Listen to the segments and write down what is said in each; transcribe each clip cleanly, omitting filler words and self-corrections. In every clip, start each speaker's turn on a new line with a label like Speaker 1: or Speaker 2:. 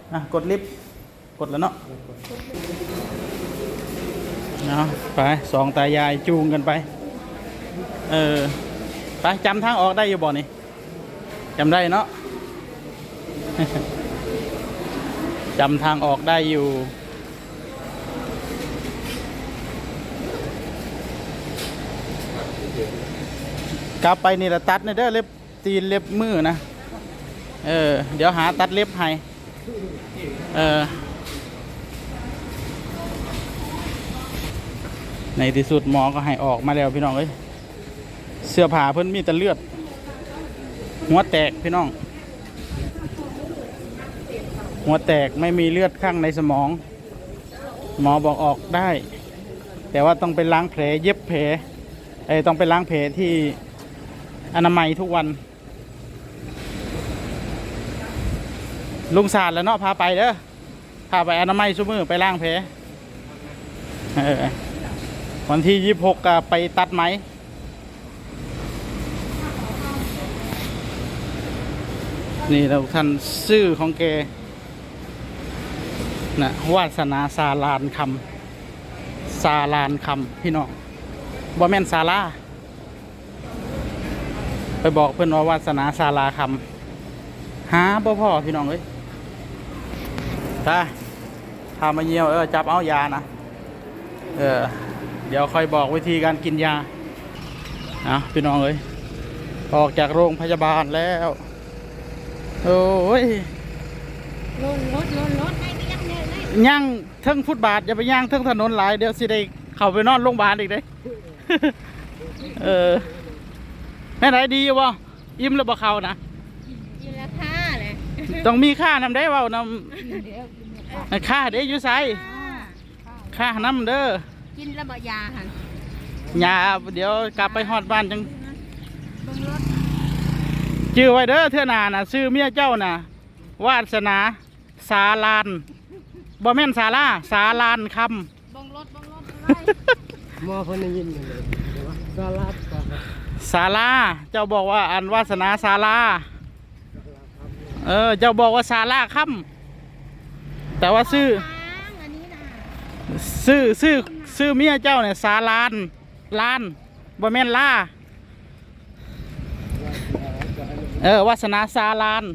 Speaker 1: กดลิฟต์กดแล้วเนาะไปสองตายายจูงกันไปไปจำทางออกได้อยู่บ่นี่จำได้เนาะ จำทางออกได้อยู่กลับไปนี่ละตัดเด้อเล็บตีนเล็บมือนะเดี๋ยวหาตัดเล็บให้ในที่สุดหมอก็ให้ออกมาแล้วพี่น้องเอ้ยเสื้อผ้าเพิ่นมีแต่เลือดหัวแตกพี่น้องหัวแตกไม่มีเลือดข้างในสมองหมอบอกออกได้แต่ว่าต้องไปล้างแผลเย็บแผลต้องไปล้างแผลที่อนามัยทุกวันลุงศาสตร์แล้วเนาะพาไปเด้อพาไปอนามัยซุมือไปล้างแผลวันที่26ก็ไปตัดไหมนี่เราท่านชื่อของแกนะวาสนาซาลานคำซาลานคำพี่น้องบ่แม่นซาลาไปบอกเพื่อนว่าวาสนาซาลาคำหาพ่อพี่น้องเอ้ยถ้าพามาเยี่ยวจับเอายานะเดี๋ยวค่อยบอกวิธีการกินยาพี่น้องเอ้ยออกจากโรงพยาบาลแล้วโอ้ยรถให้ไปยังเนี่ยย่างเทิงฟุตบาทอย่าไปย่างเทิงถนนหลายเดี๋ยวสิได้เข้าไปนอนโรงพยาบาลอีกเด้แม่ไหนดีวะอิ่มแล้วบ่เข้านะอิ่มแล้วค่าเลยต้องมีค่านำได้เว้านำค่าเด้อยู่ไสค่านำเด้อกินแล้วบ่ยาหั่นยาเดี๋ยวกลับไปฮอดบ้านจังชื่อไว้เด้อเทื่อหน้าน่ะชื่อเมียเจ้าน่ะวาสนาสาลานบ่แม่นศาลาสาลานคำบังรถมอเพิ่นได้ยินเลยศาลาศาลาเจ้าบอกว่าอันวาสนาศาลาเจ้าบอกว่าศาลาคำแต่ว่าชื่อเมียเจ้าเนี่ยศาลานลานบ่แม่นลาวาสนาศาลาน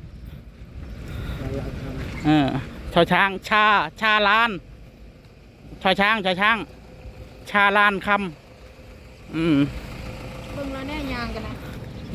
Speaker 1: ชาวช้างชาลานชาวช้างชาลานคำเบิ่งแล้วแน่ยางกันนะ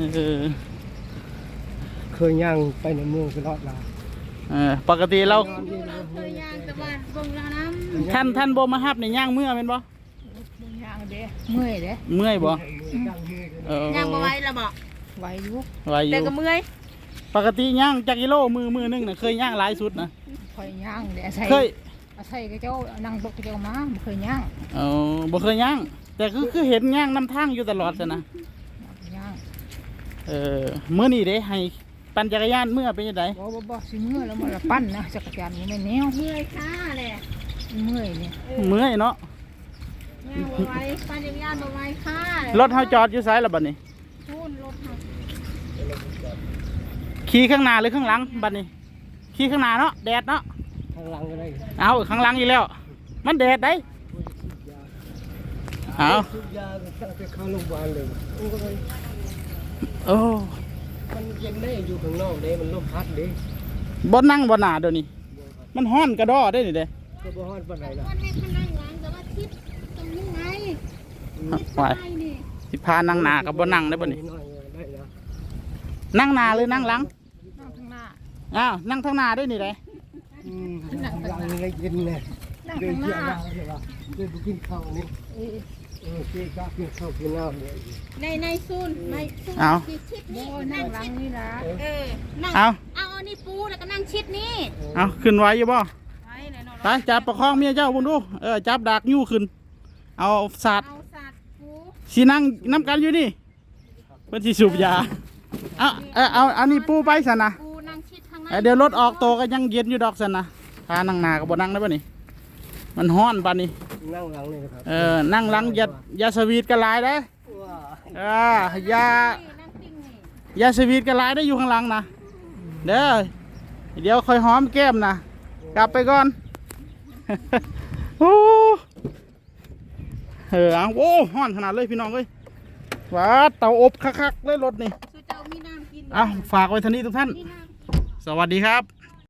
Speaker 2: เคยย่างไปในเมืองตลอดละ
Speaker 1: ปกติเรา
Speaker 3: เคยย่างแต่ว่าเบิ่งแล้วนะ
Speaker 1: ท่านบ่มาฮับในย่างเมื่อเป็นบ่
Speaker 3: ย่างเด้เมื่อยเด้
Speaker 1: เมื่อยบ่
Speaker 3: ย่างบ่ไหวแล้วบ่ไหวอยู่แต่ก็เมื่อย
Speaker 1: ปกติย่างจักกิโลมือนึงน่ะเคยย่างหลายสุดนะ
Speaker 3: เคยย่างเด้อาศัยกับเจ้านั่งรถกับเจ้ามาบ่เคยย่าง
Speaker 1: บ่เคยย่างแต่คือเห็นย่างนำทางอยู่ตลอดซะนะ
Speaker 3: ย่าง
Speaker 1: มื้อนี้เด้ให้ปั่นจักรยานเมื่อเป็นจังได๋
Speaker 3: บ่สิเมื่อแล้วมันละปั่นนะจักรยานนี่แม่แนวเมื่อยค่ะแหละเมื่อยนี่
Speaker 1: เมื่อยเนาะ
Speaker 3: ย่างบ่ไหวปั่นจักรยานบ่ไหวค่ะ
Speaker 1: รถเฮาจอดอยู่ไสล่ะบัดนี้
Speaker 3: นู่นรถเฮา
Speaker 1: ขี่ข้างหน้าหรือข้างหลังบัดนี้ขี่ข้างหน้าเนาะแดดเนาะ
Speaker 2: ข้างหลังก็ได้
Speaker 1: ข้างหลังอีกแล้วมันแดดได้
Speaker 2: ยาตั้งแต่เข้าโรงพยาบาลเลยมันเย็นได้อยู่ข้างนอกเด้มันลมพัดเด้
Speaker 1: บ่นั่งบ่หนาเดี๋ยวนี้มันฮ้อนกระดอได้นี่เด้
Speaker 2: ก็บ่ฮ้อนปานใดล่ะ
Speaker 3: มันให้ข้างหลังแต่ว่าทิศตรงนี้ไง
Speaker 1: ไปสิพานั่งหน้ากับบ่นั่งได้บ่นี่นั่งหน้าหรือนั่งหลัง
Speaker 3: นั่งข้างหน้า
Speaker 1: นั่งข้างหน้าได้นี่เด้
Speaker 2: นั่งข้างหลังเลยเย็นเลยเดินเที่ยวมาใช่ป่ะเดินไปกินข้าวนี่กินข้าวกินน้ำเลย
Speaker 3: ในซูนชิดนี่นั่งหลังนี่นะนั่งเอานี่ปูแล้วก็นั่งชิดนี่
Speaker 1: ขึ้นไว้อยู่บ่ไปจับประคองเมียเจ้าบุญดูจับดักยู่ขึ้นเอาสัตว์ปูสีนั่งน้ำกันอยู่นี่เพื่อนสีสูบยาเอานี่ปูไปสันนะเดี๋ยวรถออกโตก็ยังเย็นอยู่ดอกสันนะพานั่งหนากับบ่นั่งได้ป่ะนี่มันฮ้อนป่ะนี่
Speaker 2: นั่งหลังเลยครับ
Speaker 1: นั่งหลังยาสวีทกันหลายได้ยาสวีทกันหลายได้อยู่ข้างหลังนะเด้อเดี๋ยวค่อยหอมแก้มนะกลับไปก่อน โอ้เอาโอ้ห้อนขนาดเลยพี่น้องเอ้ยว้าเตาอบคักๆเลยรถนี่
Speaker 3: เจ้ามีน้ำกิน
Speaker 1: เอาฝากไว้เท่านี้ทุกท่าน สวัสดีครับ